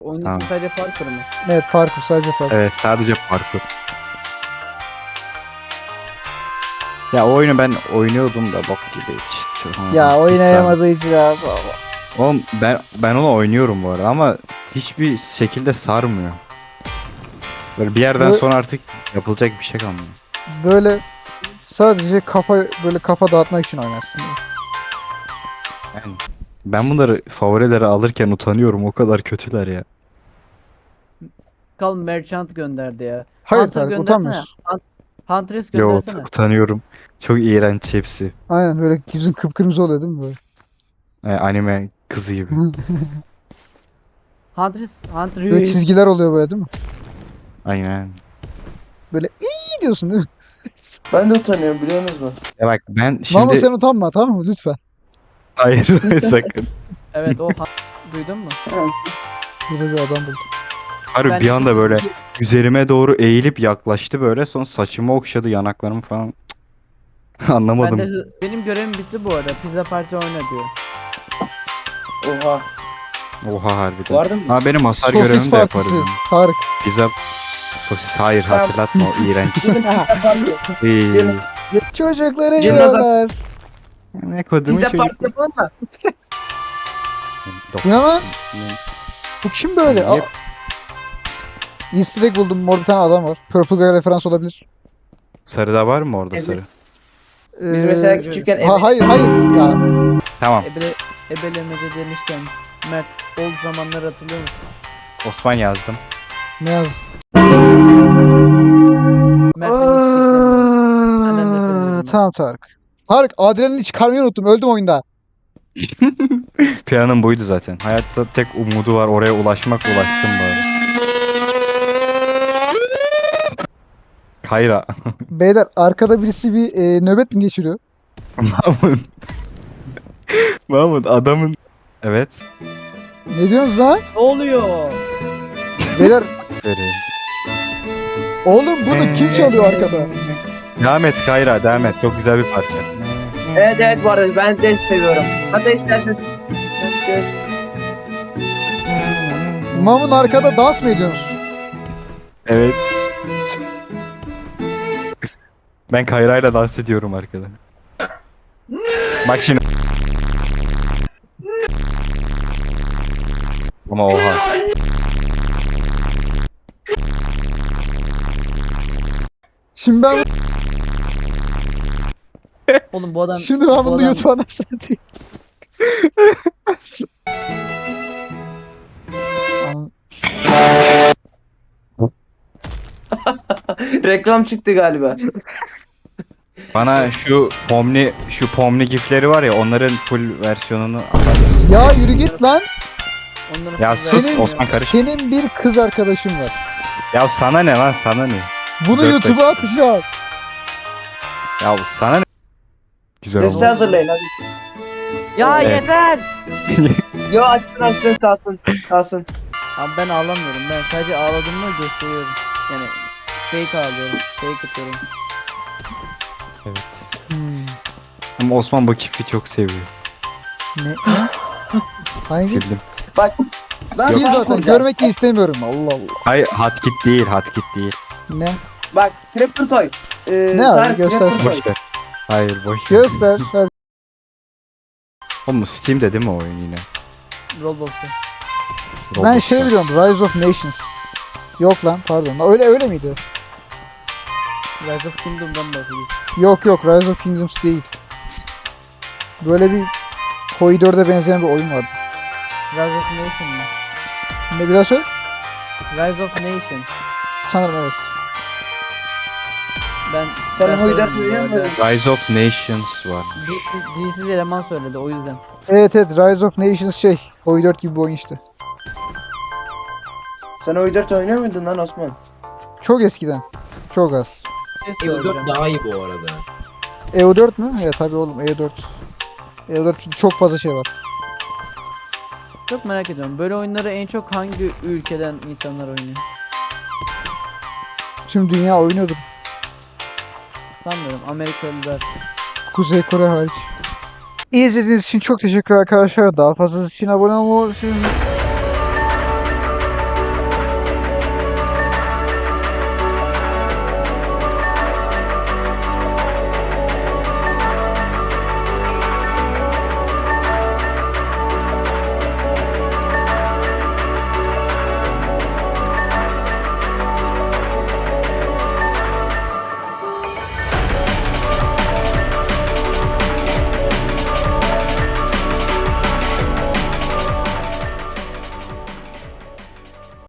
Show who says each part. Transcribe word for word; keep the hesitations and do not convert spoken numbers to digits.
Speaker 1: Oyun
Speaker 2: Tamam.
Speaker 1: ismi sadece Parker mı?
Speaker 3: Evet, parkur, sadece parkur.
Speaker 2: Evet, sadece parkur. Ya o oyunu ben oynuyordum da bok gibi hiç. Çok-
Speaker 3: Ya
Speaker 2: hiç
Speaker 3: oynayamadığı için ya.
Speaker 2: sarmıyor. Oğlum ben ben onu oynuyorum bu arada ama hiçbir şekilde sarmıyor. Böyle bir yerden
Speaker 3: Böyle,
Speaker 2: sonra artık yapılacak bir şey kalmıyor.
Speaker 3: böyle sadece kafa böyle kafa dağıtmak için oynarsın.
Speaker 2: Yani ben bunları favorilere alırken utanıyorum, o kadar kötüler ya.
Speaker 1: Kal Merchant gönderdi ya.
Speaker 3: Hayır
Speaker 1: Hunter
Speaker 3: Tarık,
Speaker 1: göndersene.
Speaker 3: utanmıyorsun.
Speaker 1: Hunt Huntress
Speaker 2: Yo ut-
Speaker 1: göndersene.
Speaker 2: utanıyorum. Çok iğrenç hepsi.
Speaker 3: Aynen, böyle yüzün kıpkırmızı oluyor değil mi böyle?
Speaker 2: Yani anime kızı gibi.
Speaker 1: Huntress, Hunter
Speaker 3: Böyle çizgiler oluyor böyle değil mi?
Speaker 2: Aynen.
Speaker 3: Böyle iyi diyorsun değil mi?
Speaker 4: Ben de utanıyorum, biliyorsunuz mu?
Speaker 2: Ya bak ben
Speaker 3: Mamo
Speaker 2: şimdi
Speaker 3: sen utanma, tamam mı? Lütfen.
Speaker 2: hayır sakın.
Speaker 1: Evet o Hun- duydun mu?
Speaker 3: Burada bir adam buldum.
Speaker 2: Harbi
Speaker 1: Ben
Speaker 2: bir
Speaker 1: çok
Speaker 2: anda böyle
Speaker 1: çizgi-
Speaker 2: üzerime doğru eğilip yaklaştı böyle. Sonra saçımı okşadı, yanaklarımı falan.
Speaker 1: Ben de
Speaker 2: Anlamadım.
Speaker 1: hı- benim görevim bitti bu arada. Pizza Party oyna diyor.
Speaker 4: Oha.
Speaker 2: Oha harbiden.
Speaker 4: Vardın mı?
Speaker 2: Ha benim hasar
Speaker 3: Sosis
Speaker 2: görevimi de yaparız.
Speaker 3: partisi.
Speaker 2: yani.
Speaker 3: Tarık.
Speaker 2: Pizza sosis hayır
Speaker 4: Tamam.
Speaker 2: hatırlatma o iğrenç.
Speaker 4: Gelin pizza parti.
Speaker 2: İyi.
Speaker 4: Gelin.
Speaker 3: Çocukları
Speaker 4: Cemre
Speaker 3: yiyorlar.
Speaker 2: Ne kodumu
Speaker 4: Pizza
Speaker 2: çocuk.
Speaker 4: parti yapalım mı?
Speaker 3: Bu ne lan? Bu kim böyle?
Speaker 2: Niye-
Speaker 3: Aa, Easter egg buldum. Mor bir tane adam var. Purple Guy referans olabilir.
Speaker 2: Sarıda var mı orada
Speaker 4: Evet.
Speaker 2: sarı?
Speaker 4: Biz
Speaker 3: Ee,
Speaker 4: mesela küçükken
Speaker 3: ha,
Speaker 4: eve...
Speaker 3: hayır hayır ya.
Speaker 2: Tamam.
Speaker 1: Ebele, ebelemece demişken Mert old zamanları hatırlıyor musun?
Speaker 2: Osman yazdım.
Speaker 3: Ne yaz?
Speaker 1: Mert beni siklemedi. Senden nefret ediyorum ben.
Speaker 3: Tamam Tarık. Tarık, adrenalin çıkarmayı unuttum. Öldüm oyunda.
Speaker 2: Planım buydu zaten. Hayatta tek umudu var, oraya ulaşmak, ulaştım bari. Kayra.
Speaker 3: Beyler, arkada birisi bir e, nöbet mi geçiriyor?
Speaker 2: Mahmut. Mahmut adamın... Evet.
Speaker 3: Ne diyorsunuz lan?
Speaker 1: Ne oluyor?
Speaker 3: Beyler,
Speaker 2: Vereyim.
Speaker 3: oğlum bunu kim çalıyor arkada?
Speaker 2: Devam et Kayra, devam et. Çok güzel bir parça.
Speaker 4: Evet evet, bu arada ben de seviyorum. Hatta isterseniz...
Speaker 3: Mamun arkada dans mı ediyorsunuz?
Speaker 2: Evet. Ben Kayra'yla dans ediyorum arkada. Bak şimdi. Ama oha.
Speaker 3: Şimdi ben
Speaker 1: Oğlum bu adam
Speaker 3: şimdi ben
Speaker 1: bu
Speaker 3: bunu
Speaker 1: adam-
Speaker 3: YouTube'a nasıl atayım? An-
Speaker 4: Reklam çıktı galiba.
Speaker 2: Bana şu Pomni, şu Pomni gifleri var ya, onların full versiyonunu atarız.
Speaker 3: Ya yürü git lan.
Speaker 1: onların
Speaker 2: Ya
Speaker 1: kızı
Speaker 2: sus,
Speaker 1: vermiyor.
Speaker 2: Osman karış.
Speaker 3: Senin bir kız arkadaşın var.
Speaker 2: Ya sana ne lan, sana ne?
Speaker 3: Bunu
Speaker 2: Dört
Speaker 3: YouTube'a
Speaker 2: dakika.
Speaker 3: atacağım.
Speaker 2: Ya sana ne? Güzel
Speaker 4: Liste
Speaker 2: oldu.
Speaker 4: hazırlayın hadi.
Speaker 1: Ya
Speaker 2: Evet.
Speaker 1: yeter.
Speaker 4: Yo, açsın açsın, kalsın. Kalsın.
Speaker 1: Abi ben ağlamıyorum. Ben sadece ağladığımı gösteriyorum. Yani fake ağlıyorum. Fake atıyorum.
Speaker 2: Evet.
Speaker 3: Hmm.
Speaker 2: Ama Osman bu kifi çok seviyor.
Speaker 3: Ne? ne? Hangi?
Speaker 2: Sildim.
Speaker 4: Bak. Ben
Speaker 3: Sil
Speaker 4: fark
Speaker 3: zaten.
Speaker 4: olacağım.
Speaker 3: Görmek de istemiyorum. Allah Allah.
Speaker 2: Hayır, hotkit değil, hotkit değil.
Speaker 3: Ne?
Speaker 4: Bak, Crapper Toy. Ee,
Speaker 3: Ne abi,
Speaker 4: Tarık,
Speaker 3: göstersin.
Speaker 4: Crapper Toy.
Speaker 2: Boş ver. Hayır, boş ver.
Speaker 3: Göster. Hadi.
Speaker 2: Oğlum Steam'de değil mi o oyun yine?
Speaker 1: Roblox'ta.
Speaker 3: Ben
Speaker 2: Roblox'ta.
Speaker 3: şey biliyorum. Rise of Nations. Yok lan, pardon. Öyle öyle miydi?
Speaker 1: Rise of Kingdom'dan bahsediyorsun.
Speaker 3: Yok yok, Rise of Kingdoms değil. Böyle bir Koi dörde benzeyen bir oyun vardı.
Speaker 1: Rise of Nation mı?
Speaker 3: Ne, bir daha söyle?
Speaker 1: Rise of Nation.
Speaker 3: Sanırım evet.
Speaker 1: Ben
Speaker 4: Sen
Speaker 1: ben
Speaker 4: Hoydar
Speaker 1: söyledim bu
Speaker 4: biliyor
Speaker 1: arada.
Speaker 4: muydun?
Speaker 2: Rise of Nations var.
Speaker 1: Dilsiz, dilsiz eleman söyledi o yüzden.
Speaker 3: Evet evet, Rise of Nations şey. Koi dört gibi bir oyun işte.
Speaker 4: Sen o dört oynuyor muydun lan Osman?
Speaker 3: Çok eskiden. Çok az.
Speaker 1: Bir şey
Speaker 5: E O
Speaker 1: söyleyeceğim.
Speaker 5: dört daha iyi bu arada.
Speaker 3: E O dört mü? Evet tabii oğlum, E O dört. E O dört çünkü çok fazla şey var.
Speaker 1: Çok merak ediyorum. Böyle oyunları en çok hangi ülkeden insanlar oynuyor?
Speaker 3: Tüm dünya oynuyordur.
Speaker 1: Sanmıyorum. Amerikalılar.
Speaker 3: Kuzey Kore hariç. İyi izlediğiniz için çok teşekkür arkadaşlar. Daha fazlası için abone olmayı